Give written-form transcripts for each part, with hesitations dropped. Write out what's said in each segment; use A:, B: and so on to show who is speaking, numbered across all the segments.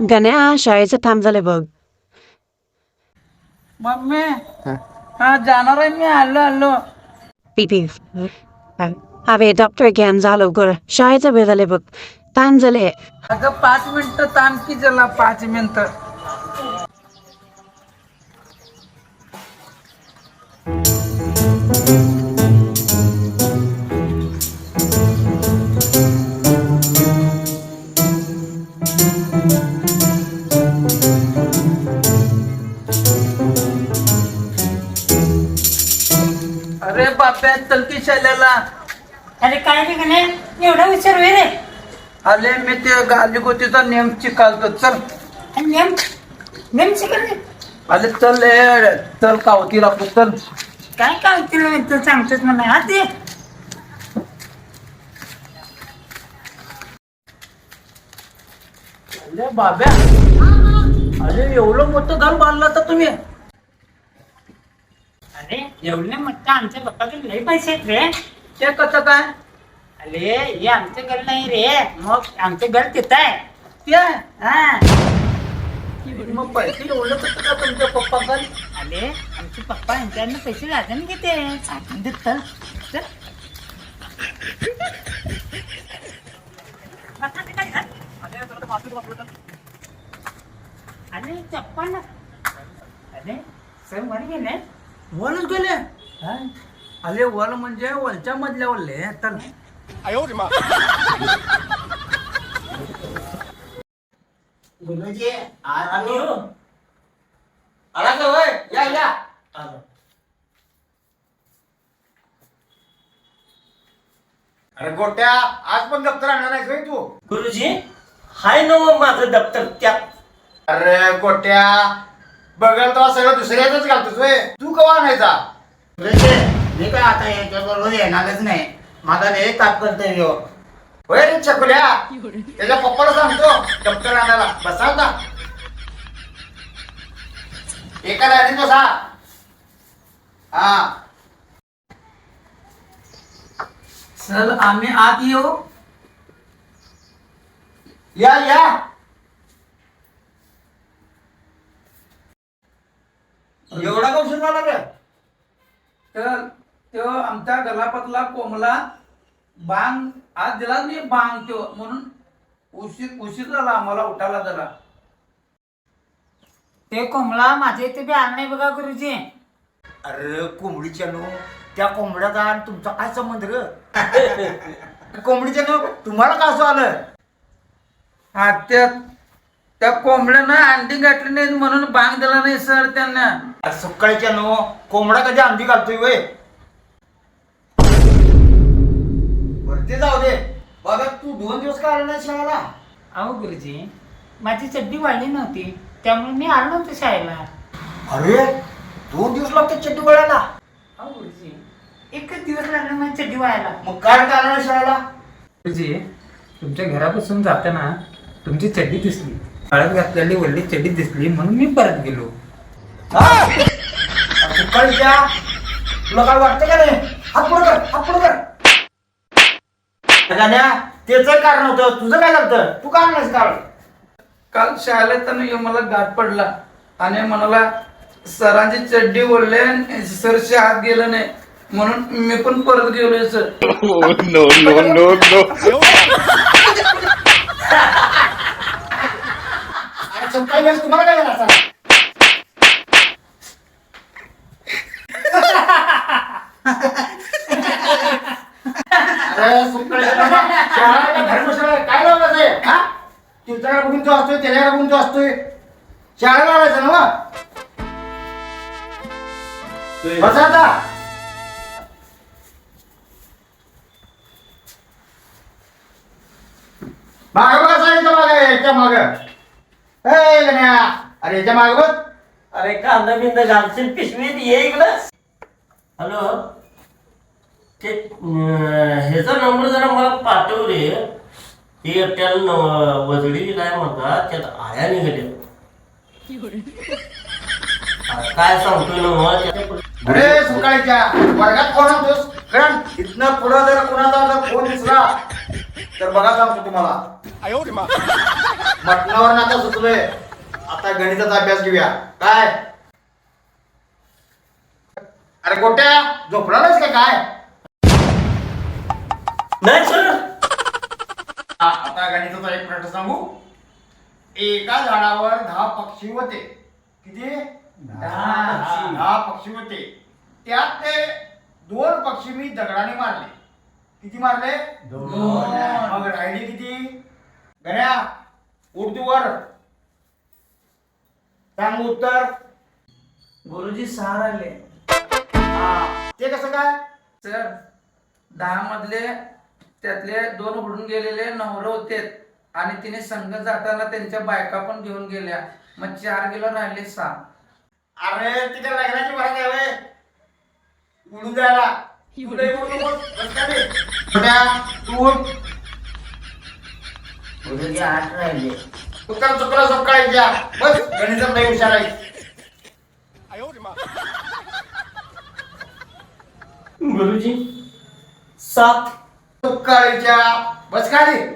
A: गण्या शाळेचं थांब झालंय बघ.
B: मम्मी हा जाणार आहे मी. आलो
A: पीपी अरे डॉक्टर घ्यान झालं गर शाळेचं वेळ झालंय बघ. थांब झाले.
B: अगं 5 मिनिटं थांब की जरा 5 मिनिटं. अरे बाप्या चल की शाळेला.
C: अरे काय रे गणे एवढा विचार वे रे.
B: आले मी ते गालीगोतीचा नेम चिकालतो. चल
C: नेम नेम शिकले.
B: आले चल चल कावती लागतो. चल
C: काय काय तिला तू सांगतोस मला. हा ते
B: अरे बाब्या अरे एवढं मोठं घर बांधलं तर तुम्ही.
C: अरे एवढे म्हटलं आमच्या बाप्पाकडे लई पैसे आहेत रे.
B: ते कसं काय?
C: अरे हे आमचं घर नाही रे. मग आमचं घर तिथं आहे.
B: ते
C: हा
B: मग पैसे एवढं कसं काय तुमच्या पप्पाकडे?
C: अरे आमचे पप्पा यांच्याकडनं पैसे लाजून घेते. आपण देत चल चल. अरे चप्पल अरे सर वर गेले.
B: वरच गेले. अरे वर म्हणजे वरच्या मधल्या वरले. तर
D: गुरुजी आलो. आला का होय? या या. अरे गोट्या आज पण दप्तर आणणार नाहीस होय तू?
E: गुरुजी हाय ना मग माझं दप्तर त्यात.
D: अरे गोट्या बघायला तर सगळं दुसऱ्याच घालतोस होय. तू कवा आणायचा?
F: मी काय आता याच्याबरोबर येणारच नाही. माझा लय तात्पर्य
D: होय रे चकुल्या. त्याच्या पप्पाला सांगतो दप्तर आणायला. बसा ना एका लाईनीत बसा. हा
B: चल आम्ही आत येऊ.
D: या या. एवढा का उशीर झाला रे?
B: तर तो आमच्या गलापातला कोंबला बांग आज दिला मी बांग तो म्हणून उशीर झाला आम्हाला उठायला जरा.
C: ते कोंबडा माझ्या इथे बी आला नाही बघा गुरुजी.
F: अरे कोंबडीच्या नो त्या कोंबड्याचा आणि तुमचा काय संबंध र? कोंबडीच्या नो तुम्हाला का असं आलं?
B: हा त्या कोंबड्यानं अंडी घातली नाही म्हणून बांग दिला नाही सर त्यांना.
F: सकाळच्या नो कोंबडा कधी अंडी घालतोय वय?
D: वरती जाऊ दे. बघा तू 2 दिवस का आला नाही शाळेला?
C: अहो गुरुजी माझी चड्डी वाढली नव्हती त्यामुळे मी आलो नव्हतो शाळेला.
F: अरे 2 दिवस लागते चड्डी वळायला.
C: अहो गुरुजी एकच दिवस लागला माझी चड्डी वाळायला.
F: मग काय का आला नाही शाळेला?
B: गुरुजी तुमच्या घरापासून जाताना तुमची चड्डी दिसली. हळद घातलेली वल्ली चड्डी दिसली म्हणून मी परत गेलो.
F: सकाळच्या तुला काय वाटतं का नाही? हात पुढं कर, हात पुढं कर. त्याच कारण होतं. तुझं काय झालं? तू का नाही काढ?
B: काल शाळेत मला गाठ पडला आणि म्हणाला सरांची चड्डी ओढले आणि सरचे हात गेलं नाही म्हणून मी पण परत गेलोय सर.
F: अरे सकाळी वेळेस तुम्हाला काय झालं असं? अरे सकाळी धर्मशाळा काय लावलं आहे? हा तुझ्याकडे बघून तो असतोय, त्याच्याकडे बघून तो असतोय. शाळेला लावायचं ना मग. बसा आता. माग बघा सांगितलं माग याच्या माग. अरे याच्या माग बघ.
E: अरे कांदा बिंदा घालशील पिशवीत ये इकडं. हॅलो ते ह्याचा नंबर जरा मला पाठव रे. ते एकट्याला वजडी काय म्हणतात त्यात आया निघाल्या. काय सांगतोय ना मग
F: अरे सकाळीच्या वर्गात कोण होतोस? कारण इथनं पुढं जर कोणाचा जर फोन दिसला तर बघा सांगतो तुम्हाला. मटणावर आता सुचलोय. आता गणिताचा अभ्यास घेऊया. काय अरे गोट्या झोपणार नाहीस का काय?
E: नाही सर.
F: आता गणिताचा एक प्रश्न सांगू. एका झाडावर 10 पक्षी होते. किती? 10 पक्षी होते. त्यात ते 2 पक्षी मी दगडाने मारले. किती मारले? 2. मग राहिली किती? गण्या उठ वर सांग उत्तर.
B: गुरुजी 6 राहिले.
F: ते कसं काय?
B: सर 10 मधले त्यातले 2 उडून गेलेले नवरं होते आणि तिने संघ जाताना त्यांच्या बायका पण घेऊन गेल्या. मग 4 गेलो राहिले 6.
F: अरे तिथे लग्नाची भरत आहे व्हय. उडून जायला तुला उडू नकोस. बस का रे? छोट्या, तू उठ.
C: गुरुजी 8 राहिले.
F: उत्तर चुकला सकाळीच्या. बस गणितात नाही हुशार आहे.
E: गुरुजी 7.
F: सकाळीच्या. बस का रे?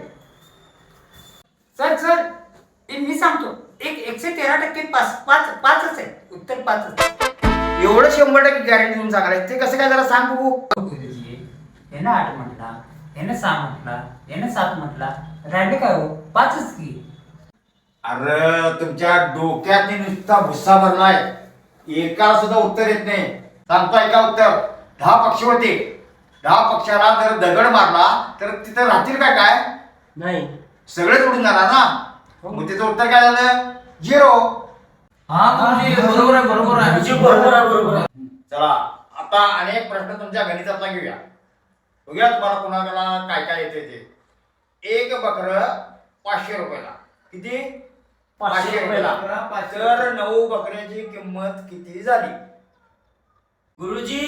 C: सर सर मी सांगतो 113% पाचच आहे. उत्तर 5च.
F: एवढं 100% गॅरंटी देऊन सांगायला ते कसं काय जरा सांग बघू.
C: गुरुजी यानं 8 म्हटला, यानं 6 म्हटला, यानं 7 म्हटला, राहिले काय हो? 5च की.
F: अरे तुमच्या डोक्यात नुसता भुस्सा भरलाय. एकाला सुद्धा उत्तर येत नाही. सांगतो ऐका उत्तर. 10 पक्षी होते. 10 पक्षाला जर दगड मारला तर तिथं राहतील काय?
E: नाही.
F: सगळेच उडून जाणार ना. मग त्याचं उत्तर काय झालं? 0.
B: हा गुरुजी बरोबर आहे, बरोबर आहे.
E: गुरुजी बरोबर आहे, बरोबर आहे.
F: चला आता अनेक प्रश्न तुमच्या गणितातला घेऊया. बघूया तुम्हाला कोणाला काय काय येते ते. एक बकर 500 रुपयाला. किती? 500 रुपयाला. तर 9 बकऱ्याची किंमत किती झाली?
E: गुरुजी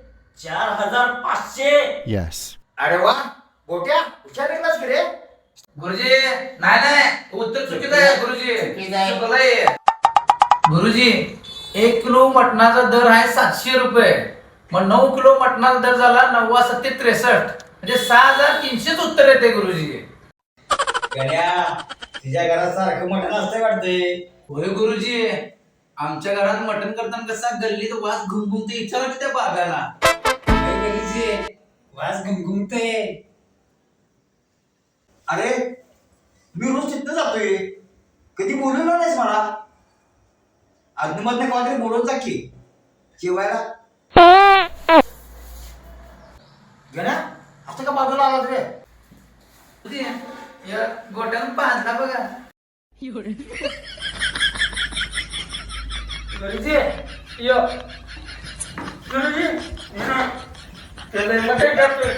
E: 4500.
G: Yes.
F: अरे वा गोट्या हुशार निघलास की रे.
B: गुरुजी नाही उत्तर चुकीचं आहे. गुरुजी चुकलंय. गुरुजी 1 किलो मटणाचा दर आहे 700 रुपये. मग 9 किलो मटणाचा दर झाला 9 7 63. म्हणजे 6300 उत्तर येते गुरुजी.
F: गण्या तिच्या घरात सारखं मटण असतंय वाटतंय.
B: होय गुरुजी. आमच्या घरात मटण करताना कसा गल्लीत वास घुमघुमते विचारा की त्या बाब्याला. गुरुजी
C: वास घुमघुमते.
F: अरे मी रोज तिथं जातोय. कधी बोलवलं नाहीस मला. अग्निमधनं कधी बोलवत जा की जेवायला. गण्या असं का बाजूला आला रे?
B: गुरुजी, या गोट्यानं पाजला बघा. गुरुजी यो गुरुजी त्याला मटण करतोय.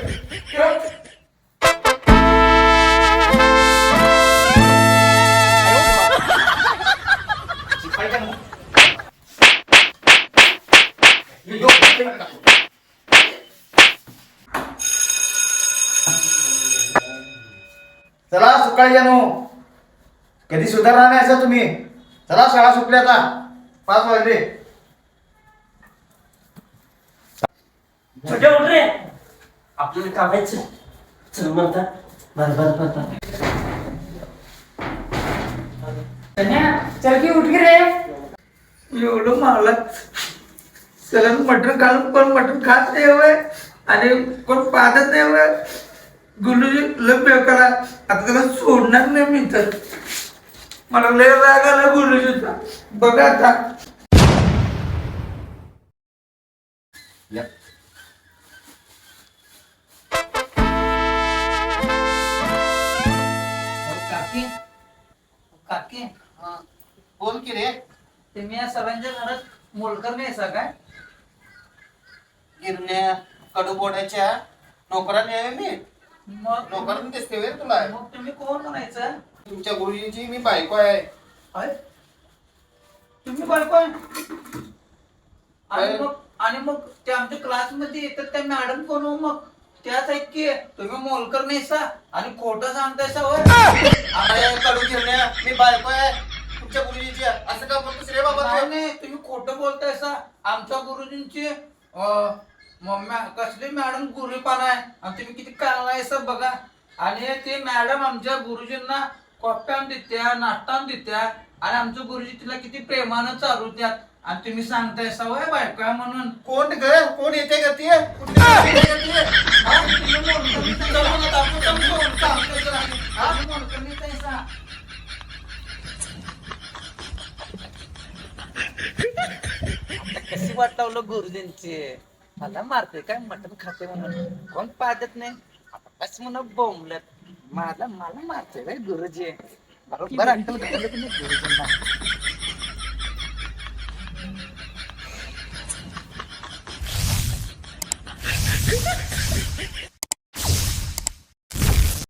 F: चला सकाळी जाणू. कधी सुधारणार नाही असं तुम्ही. चला शाळा सुटली आता. 5 वाजले.
E: छोट्या उठ रे. आपल्याला कामायचं. चल म्हणता. बरं.
C: चल की उठ की रे.
B: एवढं मला सगळं मटण घालून कोण मटण खात नाही हवंय आणि कोण पाहत नाही हवं. गुरुजी लय बेकारा. आता त्याला सोडणार नाही मी तर. मला लय राग आला गुरुजीचा. बघा आता. काकी
F: बोल की रे.
B: तुम्ही या सरांच्या घरात मोलकर नाही असा काय?
F: गिरण्या कडूबोड्याच्या नोकराने आहे मी.
B: मग
F: नोकराने दिसते वेळ तुला.
B: मग तुम्ही कोण म्हणायचं?
F: तुमच्या गुरुजींची मी बायको आहे.
B: अय, तुम्ही बायको आहे? आणि मग ते आमच्या क्लासमध्ये येतात त्या मॅडम कोण हो मग? त्याच ऐक की तुम्ही मोलकर नाहीसा आणि खोटं सांगतायसा होय.
F: अरे कडू गिरण्या मी बायको आहे तुमच्या गुरुजींची. असं का बोलतोस रे बाबा तू?
B: नाही तुम्ही खोटं बोलतायसा. आमच्या गुरुजींची कसली मॅडम गुरुपान आहे आणि तुम्ही किती काळायसा बघा. आणि ते मॅडम आमच्या गुरुजींना कॉप्यान देत्या नाश्तान देत्या आणि आमचं गुरुजी तिला किती प्रेमानं चालू द्यात आणि तुम्ही सांगताय सवय बायको आहे म्हणून
D: कोण ग कोण येते का ती कुठली येते का ती?
B: हा, तुम्ही मोडकणीचं जाऊ नका, आपण समजावून सांगतोय जरा. हा, तुम्ही मोडकणीचं आहे सा.
G: कशी वाट लावलं गुरुजींची मला मारते काय मटण खाते म्हणून कोण पाहत नाही आता कस म्हणून बोंबलत मला मला मारते गुरुजी बरोबर अक्कल घातलं की नाही गुरुजींना